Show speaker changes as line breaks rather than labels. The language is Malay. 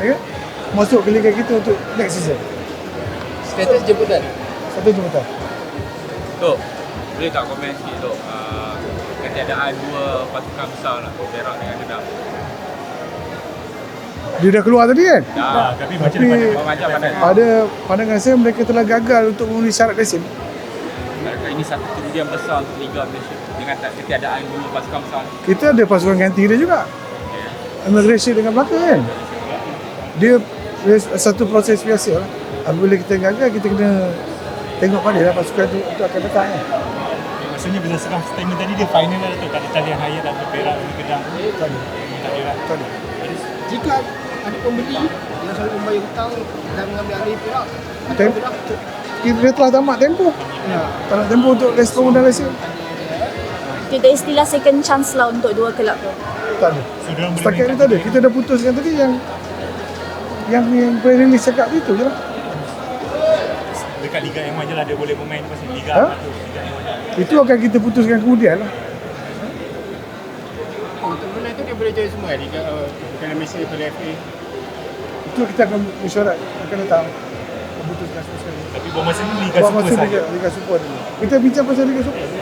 Okay? Masuk ke liga kita untuk next season.
Status jemputan.
Satu jemputan.
Tok, boleh tak komen sikit Tok, ketiadaan dua pasukan besar lah, Perak dengan Kedah.
Dia dah keluar tadi kan?
Tapi
Macam mana?
Pada pandangan saya mereka telah gagal untuk memenuhi syarat resim.
Ini satu kerugian besar untuk Liga Malaysia dengan ketiadaan dua pasukan besar.
Kita ada pasukan ganti dia juga. Malaysia dengan Melaka kan? Dia satu proses biasa lah. Apabila kita gagal, kita kena tengok pada lah pasukan tu untuk akan datang kan?
Maksudnya berdasarkan statement tadi dia final lah tu, tak ada talian Hayat atau Perak dan Kedah. Tak ada lah.
Jika ada pembeli yang selalu membayar hutang dan mengambil alih Perak,
Kita telah tamat tempoh. Tamat tempoh untuk respon dan resim.
Tidak istilah second chance lah untuk dua kelab tu.
Tak ada. Setakat ni tak ada. Kita dah putuskan tadi yang pre-release cakap itu je lah.
Dekat Liga M je lah dia boleh bermain pasal Liga
Ha?
tu. Liga M.
Itu akan kita putuskan kemudian lah.
untuk benda tu dia boleh join semua Liga Piala Malaysia, Piala FA.
Itu kita akan mesyuarat akan datang memutuskan semua sekali.
Tapi buat masa ni Liga
Buat
Super
masa
saja.
Liga Super dulu. Kita bincang pasal Liga Super.